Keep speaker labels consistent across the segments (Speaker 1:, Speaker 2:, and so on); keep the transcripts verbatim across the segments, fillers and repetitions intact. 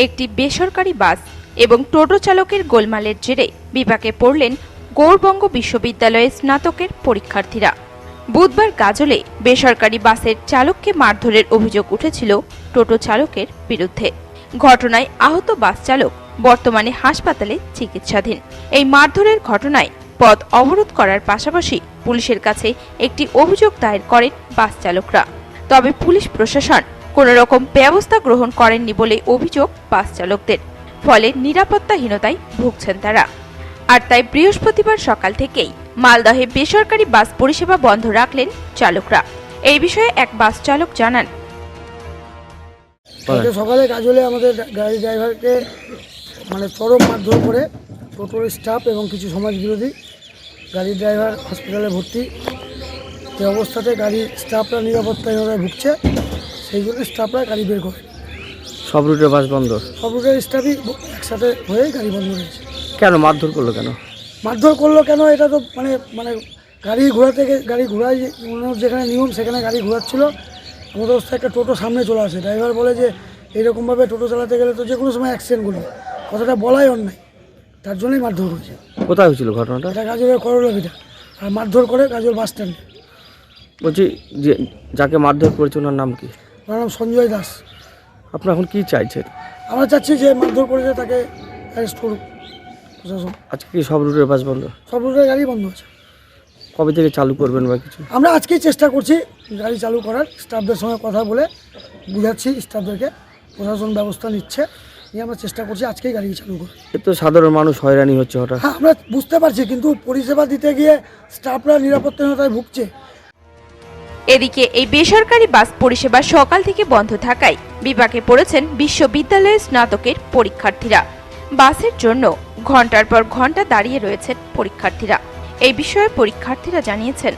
Speaker 1: একটি বেসরকারি বাস এবং টোটো চালকের গোলমালের জেরে বিপাকে পড়লেন গৌড়বঙ্গ বিশ্ববিদ্যালয়ের স্নাতকের পরীক্ষার্থীরা। বুধবার গাজলে বেসরকারি বাসের চালককে মারধরের অভিযোগ উঠেছিল টোটো চালকের বিরুদ্ধে। ঘটনায় আহত বাস চালক বর্তমানে হাসপাতালে চিকিৎসাধীন। এই মারধরের ঘটনায় পথ অবরোধ করার পাশাপাশি পুলিশের কাছে একটি অভিযোগ দায়ের করেন বাস চালকরা। তবে পুলিশ প্রশাসন কোনো রকম ব্যবস্থা গ্রহণ করেননি বলে অভিযোগ বাস চালকদের। ফলে নিরাপত্তাহীনতায় ভুগছেন তারা। আর তাই বৃহস্পতিবার সকাল থেকেই মালদহে বেসরকারি বাস পরিষেবা বন্ধ রাখলেন চালকরা। এই বিষয়ে এক বাস চালক জানান,
Speaker 2: সকালে গাজলে আমাদের গাড়ি ড্রাইভারকে মানে চরম মারধর করে টোটোর স্টাফ এবং কিছু সমাজ বিরোধী। গাড়ির ড্রাইভার হসপিটালে ভর্তি। এই অবস্থাতে গাড়ির স্টাফরা নিরাপত্তাহীনতায় ভুগছে, সেই জন্য স্টাফরা গাড়ি বের করে।
Speaker 3: সব রুটের বাস বন্ধ? সব
Speaker 2: রুটের স্টাফই একসাথে হয়ে গাড়ি বন্ধ রয়েছে।
Speaker 3: কেন মারধর করলো? কেন
Speaker 2: মারধর করলো কেন এটা তো মানে মানে গাড়ি ঘোরা থেকে গাড়ি ঘোরায় যেখানে নিয়ম সেখানে গাড়ি ঘোরাচ্ছিল। আমাদের অবস্থায় একটা টোটো সামনে চলে আসে। ড্রাইভার বলে যে এইরকমভাবে টোটো চালাতে গেলে তো যে কোনো সময় অ্যাক্সিডেন্ট করবে, কথাটা বলাই অন্যায়, তার জন্যই মারধর হয়েছে।
Speaker 3: কোথায় হয়েছিল ঘটনাটা?
Speaker 2: এটা গাজলের করলাভিটা। আর মারধর করে গাজল বাস স্ট্যান্ডে।
Speaker 3: বলছি যে যাকে মারধর করেছে ওনার নাম কি?
Speaker 2: ওনার নাম সঞ্জয় দাস।
Speaker 3: আপনারা এখন কি চাইছেন?
Speaker 2: আমরা চাচ্ছি যে মারধর করেছে তাকে অ্যারেস্ট করুক প্রশাসন।
Speaker 3: আজকে কি সব রুটের বাস বন্ধ?
Speaker 2: সব রুটের গাড়ি বন্ধ আছে।
Speaker 3: কবে থেকে চালু করবেন বা কিছু?
Speaker 2: আমরা আজকেই চেষ্টা করছি গাড়ি চালু করার। স্টাফদের সঙ্গে কথা বলে বুঝাচ্ছি স্টাফদেরকে, প্রশাসন ব্যবস্থা নিচ্ছে, নিয়ে আমরা চেষ্টা করছি আজকেই গাড়ি চালু করি।
Speaker 3: এ তো সাধারণ মানুষ হয়রানি হচ্ছে হঠাৎ।
Speaker 2: হ্যাঁ, আমরা বুঝতে পারছি, কিন্তু পরিষেবা দিতে গিয়ে স্টাফরা নিরাপত্তাহীনতায় ভুগছে।
Speaker 1: এদিকে এই বেসরকারি বাস পরিষেবা সকাল থেকে বন্ধ থাকায় বিপাকে পড়েছেন বিশ্ববিদ্যালয়ের স্নাতকের পরীক্ষার্থীরা। বাসের জন্য ঘন্টার পর ঘন্টা দাঁড়িয়ে রয়েছেন পরীক্ষার্থীরা। এই বিষয়ে পরীক্ষার্থীরা জানিয়েছেন,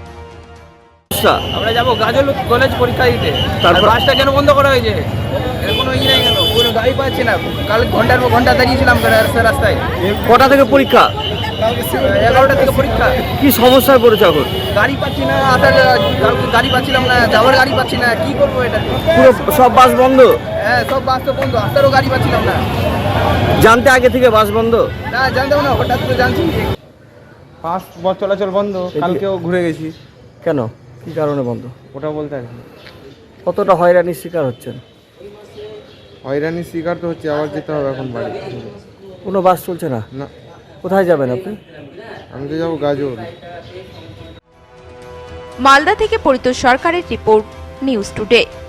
Speaker 4: আমরা যাবো গাজল কলেজ পরীক্ষা দিতে, তারপর বাসটা কেন বন্ধ করা হয়েছে? এর কোনো ই নেই কেন? কোনো গাড়ি পাচ্ছি না। কাল ঘন্টার পর ঘন্টা দাঁড়িয়েছিলাম রাস্তায়।
Speaker 3: কটা থেকে পরীক্ষা?
Speaker 4: এগারোটা থেকে পরীক্ষা।
Speaker 3: কি সমস্যায় পড়েছে এখন?
Speaker 4: গাড়ি পাচ্ছি না, আসার কালকে গাড়ি পাচ্ছিলাম না, যাওয়ার গাড়ি পাচ্ছি না, কি করবো এটা?
Speaker 3: পুরো সব বাস বন্ধ?
Speaker 4: হ্যাঁ, সব বাস তো বন্ধ, আসারও গাড়ি পাচ্ছিলাম না।
Speaker 3: জানতে আগে থেকে বাস বন্ধ?
Speaker 4: না, জানতাম না, হঠাৎ করে জানছি।
Speaker 5: বাস চলাচল বন্ধ। কালকেও ঘুরে গেছি।
Speaker 3: কেন, কি কারণে বন্ধ
Speaker 5: ওটা বলতে পারি না।
Speaker 3: কতটা হয়রানির শিকার হচ্ছেন?
Speaker 5: হয়রানির শিকার তো হচ্ছে, আবার যেতে হবে এখন বাড়ি।
Speaker 3: কোনো বাস চলছে না?
Speaker 5: না।
Speaker 3: কোথায় যাবেন আপনি?
Speaker 5: আমি তো যাবো গাজল।
Speaker 1: মালদা থেকে পরিতোষ সরকারের রিপোর্ট, নিউজ টুডে।